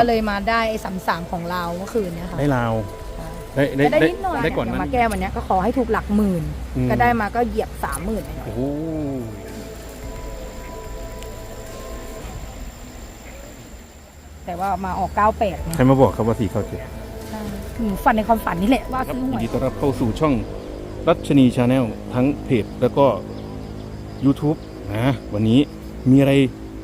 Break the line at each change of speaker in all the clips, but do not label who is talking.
ก็เลยมาได้33ของเราเมื่อคืนเนี่ยค่ะ
ได้ลาว
ได้นิดหน่อย
ได้ก่อนนั้น
มาแก้วันนี้ก็ขอให้ถูกหลักหมื่นก็ได้มาก็เหยียบ30,000
โอ้โห
แต่ว่ามาออก98
ใครมาบอกครับว่า4 เข้า 7
หนูฝันในความฝันนี่แหละว่าซื้อหวย
ยินดีต้อนรับเข้าสู่ช่องรัชนีชาแนลทั้งเพจแล้วก็ YouTube นะวันนี้มีอะไร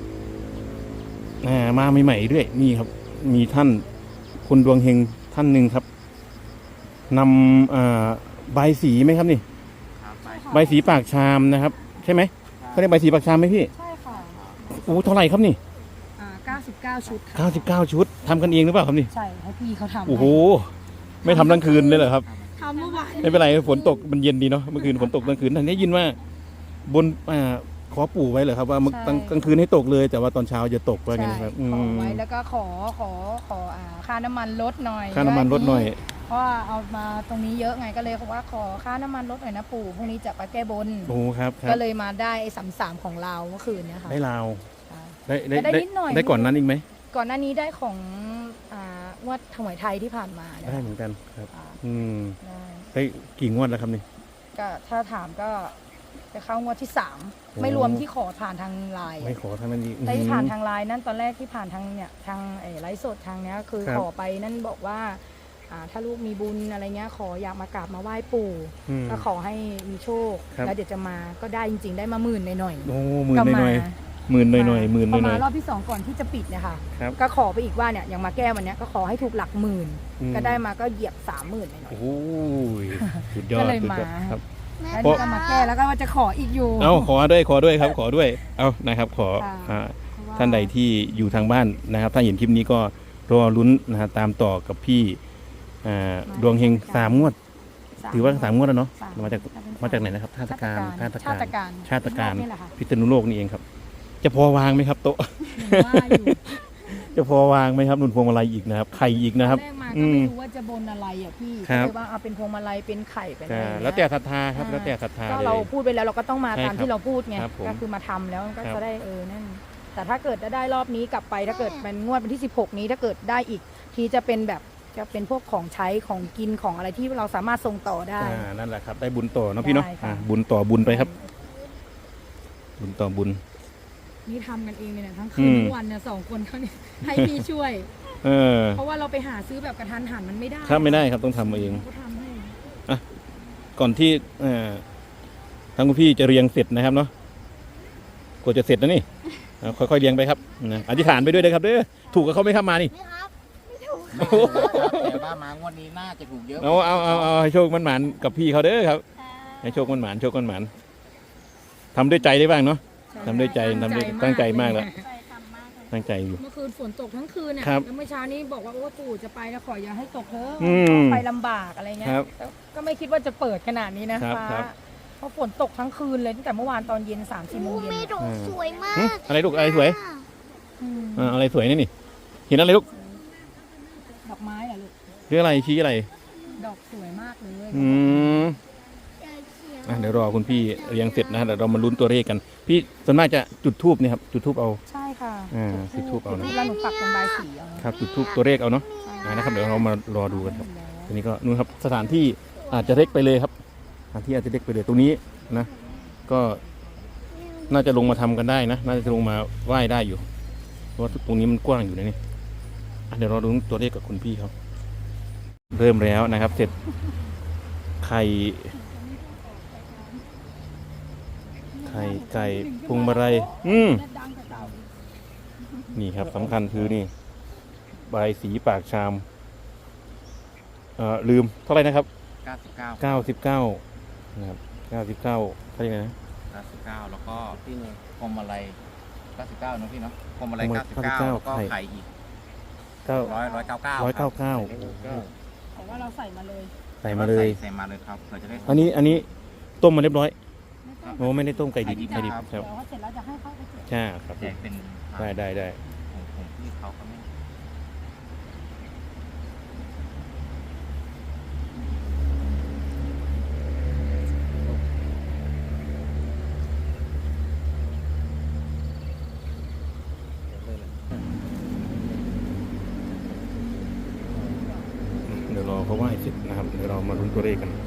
มาใหม่ๆด้วยนี่ครับมีท่านคนดวงเฮงท่านหนึ่งครับนำใบสีไหมครับนี่ใบสีปากชามนะครับใช่ไหมเขาเรียกใบสีปากชามไหมพี่
ใช่ค่ะ
โอ้เท่าไหร่ครับนี่
99 ชุด
99 ชุดทำกันเองหรือเปล่าครับนี่
ใช่ให้พี่เขาทำ
โอ้โหไม่ทำทั้งคืนเลยเหรอครับ
ทำเมื่อวาน
ไม่เป็นไรฝนตกมันเย็นดีเนาะเมื่อคืนฝนตกกลางคืนท่านได้ยินว่าบนขอปู่ไว้เหรอครับว่ากลางคืนให้ตกเลยแต่ว่าตอนเช้าจะตกว่าไงนะครับ
ขอไว้แล้วก็ขอค่าน้ำมันลดหน่อย
ค่าน้ำมันลดหน่อย
เพราะว่าเอามาตรงนี้เยอะไงก็เลยบอกว่าขอค่าน้ำมันลดหน่อยนะปู่พรุ่งนี้จะไปแก้บน
โอ้ครับ
ก็เลยมาได้33ของเราเมื่อคืนเนี่ยค่ะ
ได้ลาว
ได้นิดหน่อย
ได้ก่อนนั้นอีกไหม
ก่อนหน้านี้ได้ของงวดถวายไทยที่ผ่านมา
ได้เหมือนกันครับได้กี่งวดแล้วครับนี่
ก็ถ้าถามก็จะเข้างวดที่3ไม่รวมที่ขอผ่านทางไลน์
ไม่ขอทางนั้นดี
แต่ที่ผ่านทางไลน์นั่นตอนแรกที่ผ่านทางเนี่ยทางไลฟ์สดทางเนี้ยคือขอไปนั่นบอกว่าถ้าลูกมีบุญอะไรเงี้ยขออยากมากราบมาไหว้ปู่ก็ขอให้มีโชคแล้วเดี๋ยวจะมาก็ได้จริงๆได้มา10,000หน่อย
โอ้10,000หน่อย10,000หน่อย10,000หน่อย
พอมารอบที่2ก่อนที่จะปิดเนี่ยค่ะก็ขอไปอีกว่าเนี่ยอย่างมาแก้วันนี้ก็ขอให้ถูกหลักหมื่นก็ได้มาก็เหยียบ30,000หน่อย
โอ้ยสุดยอด
ก็เลยมา
ครับ
แล้วก็มาแก้แล้วก็ว่าจะขออีกอยู่
ขอด้วยครับขอด้วยนะครับขอท่านใดที่อยู่ทางบ้านนะครับถ้าเห็นคลิปนี้ก็รอลุ้นนะฮะตามต่อกับพี่ดวงเฮง3 งวดถือว่า3 งวดแล้วเนาะมาจากไหนนะครับชาติการพิษณุโลกนี่เองครับจะพอวางไหมครับโต๊ะจะพอวางไหมครับนุ่นพวงมาลัยอีกนะครับไข่อีกนะครับ
ก็ไม่รู้ว่าจะบนอะไรอ่ะพี่เลยว่าเอาเป็นพวงมาลัยเป็นไข่ไปเลย
แล้วแต่ศรัทธาครับแล้วแต่ศรัทธา
ก็เราพูดไปแล้วเราก็ต้องมาตามที่เราพูดไงก็คือมาทำแล้วก็จะได้นั่นแต่ถ้าเกิดได้รอบนี้กลับไปถ้าเกิดเป็นงวดวันที่16นี้ถ้าเกิดได้อีกทีจะเป็นแบบจะเป็นพวกของใช้ของกินของอะไรที่เราสามารถส่งต่อได้
นั่นแหละครับได้บุญต่อเนาะพี่เนาะบุญต่อบุญไปครับบุญต่อบุญ
นี่ทำกันเองเลยนะทั้งคืนทั้งวันเนี่ย2 คนเขาเนี่ยให้พี่ช่วยเพราะว่าเราไปหาซื้อแบบกระทันหันมันไม่ได้
ครับไม่ได้ครับต้องทำเองก่อนที่ทั้งคุณพี่จะเรียงเสร็จนะครับเนาะกว่าจะเสร็จนะนี่ค่อยๆเรียงไปครับนะอธิษฐานไปด้วยนะครับเด้อถูกกับเขาไม่เข้ามานี่
ไม่ถูกแต่ว่ามางวดนี้น่าจะถูกเยอะ
เอาให้โชคมันหมานกับพี่เขาเด้อครับให้โชคมันหมานทำด้วยใจได้บ้างเนาะทำด้วยใจตั้งใจมากแล้วตั้งใจอยู่
เมื่อคืนฝนตกทั้งคืนเนี่ยแล้วเมื่อเช้านี้บอกว่าโอ้ปู่จะไปแล้วขออย่าให้ตกเถอะไปลำบากอะไรเงี้ยก็ไม่คิดว่าจะเปิดขนาดนี้นะฟ้าเพราะฝนตกทั้งคืนเลยตั้งแต่เมื่อวานตอนเย็น3-4 โมงเย็น
สวยมาก
อะไรลูกอะไรสวยอะไรสวยนี่เห็นอะไรลูก
ดอกไม้อะลูก
เรื่องอะไรชี้อะไร
ดอกสวยมากเลย
เดี๋ยวรอคุณพี่เรียงเสร็จนะเดี๋ยวเรามาลุ้นตัวเลขกันพี่ส่วนมากจะจุดธูปนี่ครับจุดธูปเอา
ใช่ค่ะ
จุดธูปเอานะ
แล้วหนูปักเป็นใบสีเอา
ครับจุดธูปตัวเลขเอาเนาะนะครับเดี๋ยวเรามารอดูกันครับทีนี้ก็นู่นครับสถานที่อาจจะเล็กไปเลยครับสถานที่อาจจะเล็กไปเลยตรงนี้นะก็น่าจะลงมาทำกันได้นะน่าจะลงมาไหว้ได้อยู่เพราะว่าตรงนี้มันกว้างอยู่นะนี่เดี๋ยวเราดูตัวเลขกับคุณพี่เขาเริ่มแล้วนะครับเสร็จไข่ไก่พวงมาลัยนี่ครับสำคัญคือนี่ใบสีปากชามลืมเท่าไหร่นะครับ99นะครับ99เท่าไหร่นะ
99แล้วก็ที่นึงพวงมาลัย99เนาะพี่เนาะพวงมาลัย99ก็ไข่อีก199
บอกว่าเราใส่มาเลย
ครับเราจะได้
อันนี้ต้มมาเรียบร้อยโอ้ไม่ได้ต้มไก่ดิบครับ
เดี๋ยวเสร็จแล้วจะให้เขาไป
ใช่ครับ
แจกเป็น
ได้
ผมที่เขาไม่
เขาไหว้เสร็จนะครับเดี๋ยวเรามาลุ้นตัวเลขกัน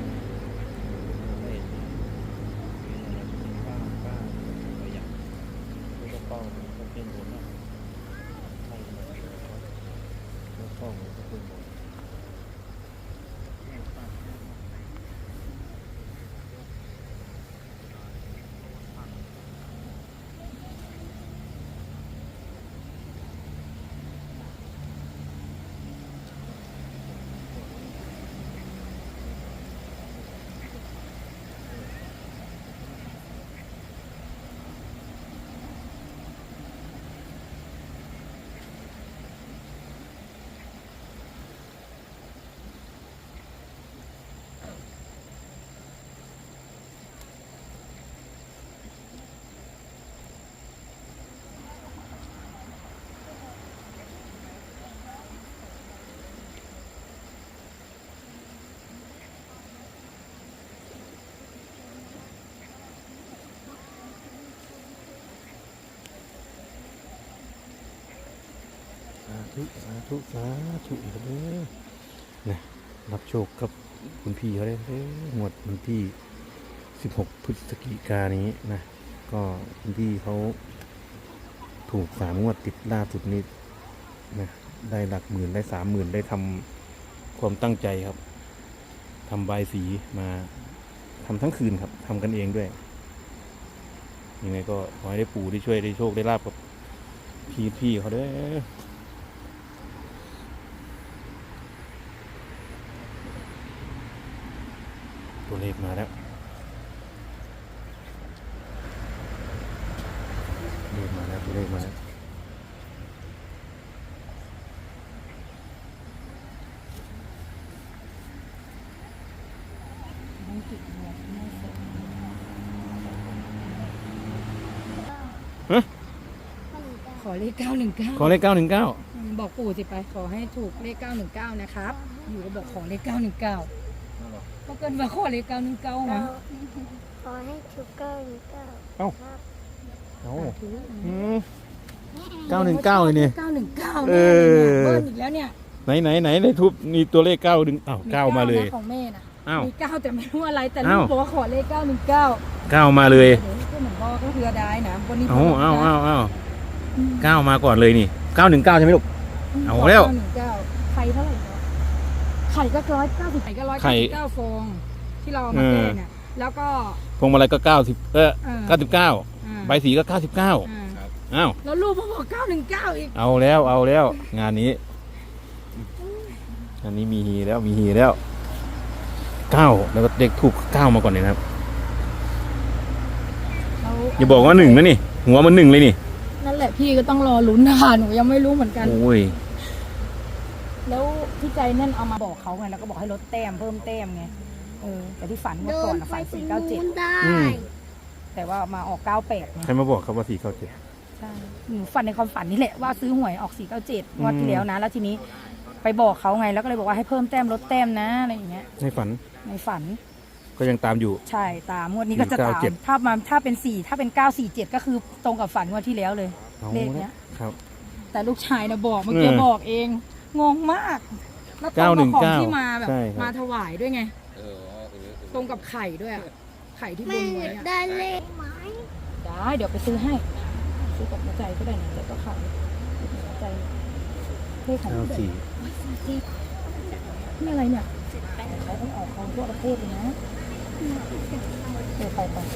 สาธุสาธุเลยนะรับโชคกับคุณพี่เขาได้งวดวันที่16 พฤศจิกายนนี้นะก็คุณพี่เขาถูก3 งวดติดล่าสุดนี้นะได้หลักหมื่นได้30,000ได้ทำความตั้งใจครับทำใบายสีมาทำทั้งคืนครับทำกันเองด้วยยังไงก็ขอให้ได้ปู่ได้ช่วยได้โชคได้ลาบกับพี่เขาด้วยตัวเลขมาแล้วตัวเลขมาแล้ว
ขอเลข 919
ขอเลข919
บอกปู่สิไปขอให้ถูกเลข 919 นะครับอยู่ก็บอกขอเลข 919ก็เกินมาขอเลข 919 นะ
ขอให้ถูกเก้าหนึ่งเก้า
เอ้า
ครับ
919เลยเนี่ย
919
เอ
แน่เลยเนี่ย
อ
เบิ้ลอีกแล้วเนี่ย
ไหนในทูบมีตัวเลข9ดึง9มาเลย
ของแม่น่ะ
อ้าว
มี9แต่ไม่รู้อะไรแต่ลู
อ้าก ว
บอกว่าขอเลข 919
9มาเลย
เดี๋ยวก็เหมือนพ่อก็เพื่อได้นะวันนี้
9มาก่อนเลยนี่919ใช่ไหมลูก เอาแล้ว
919ไข่เท่าไหร่เนาะไข่ก็190ไข่ก็
ไข่
199ฟองที่เราเอามาแก้เนี่ยแล้วก็
พวงมาลัยก็90
เออ
99ใบสีก็99อ้าว
แล้วลูกพ่อบอก919อีก
เอาแล้วงานนี้มีฮีแล้ว9แล้วก็เด็กถูก9มาก่อนเลยนะครับอย่าบอกว่า1นะนี่หัวมัน1เลยนี่
นั่นแหละพี่ก็ต้องรอลุ้นนะคะหนูยังไม่รู้เหมือนกัน
โอ้ย
แล้วพี่ใจนั่นเอามาบอกเขาไงแล้วก็บอกให้ลดแต้มเพิ่มแต้มไงแต่ที่ฝันเมื่อก่อนฝัน 497
ได้
แต่ว่ามาออก 98ไง
ใครมาบอกครับว่า497
ใช่หนูฝันในความฝันนี่แหละว่าซื้อหวยออก 497งวดที่แล้วนะแล้วทีนี้ไปบอกเขาไงแล้วก็เลยบอกว่าให้เพิ่มแต้มลดแต้มนะอะไรอย่างเงี้ย
ในฝัน
ในฝัน
ก็ยังตามอยู่
ใช่ตามงวดนี้ก็จะตาม
497
ถ้าเป็น947ก็คือตรงกับฝันงวดที่แล้วเลย
เอา
เลขเนี้ย
ครับ
แต่ลูกชายนะบอกเมื่อกี้บอกเองงงมากแล้วตรงกับของที่มาแบบ
ใช่ครับ
มาถวายด้วยไงตรงกับไข่ด้วยอะไข่ที่บ
แม่
น
อ
ไว้
ยาก
อะ
ได้เลขไหม
ได้เดี๋ยวไปซื้อให้ซื้อกับหัวใจก็ได้นะแต่ก็ไข่หัวใจเลขของพี่ นี่อะไรเนี่ยเขาต้องออกของทั่วประเทศเลยนะไป
94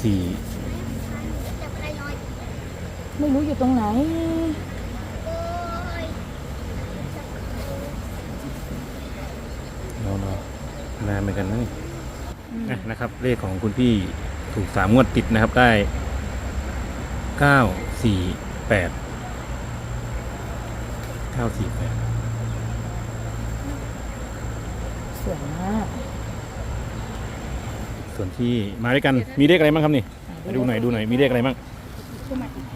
จับอะไรน้อย
ไม่รู้อยู่ตรงไหน
โอ้ย
นานเหมือนกันนะนี่นะครับ เลขของคุณพี่ถูก3 งวดติดนะครับได้948
สวยมาก
ส่วนที่มาด้วยกันมีเลขอะไรบ้างครับนี่มาดูหน่อยมีเลขอะไรบ้าง
ขึ้นมาอีก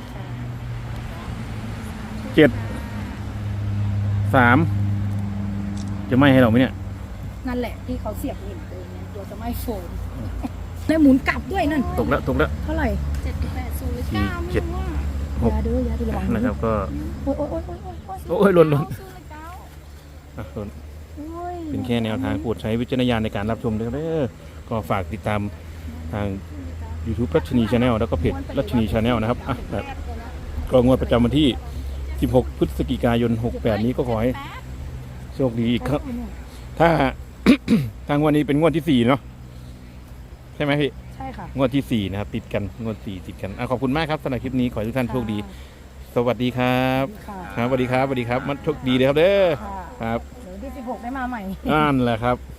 7 3จะไม่ให้เราไหมเนี่ย
นั่นแหละที่เขาเสียบเห็นตัวเนี่ยตัวจะไม่โฟนได้หมุนกลับด้วยนั่น
ตกแล้ว
เท่าไหร่
780
7
ยาเด้อยาดูระวัง
นะครับก็
โอ้ย
โอ้ยหล่น
9
อ่ะหล่น
โอ้
เป็นแค่แนวทางโปรดใช้วิจารณญาณในการรับชมด้วยเด้อก็ฝากติดตามทาง YouTube รัชนีชาแนลแล้วก็เพจรัชนีชาแนลนะครับแบบก็งวดประจำวันที่ 16 พฤศจิกายน 68 นี้ก็ขอให้โชคดีอีกครับ ถ้า ทางวันนี้เป็นงวดที่ 4 เนาะใช่ไหมพี่
ใช่ค่ะ
งวดที่ 4 นะครับ ติดกันงวด 4 ติดกันขอบคุณมากครับสำหรับคลิปนี้ขอให้ทุกท่านโชคดี สวัสดีครับ
ค่ะ
ครับสวัสดีครับสวัสดีครับมันโชคดีเลยครับเด้อ
ค่ะ
ครับ
เดี๋ยวที่ 16 ได้มาใหม่
นั่นแหละครับ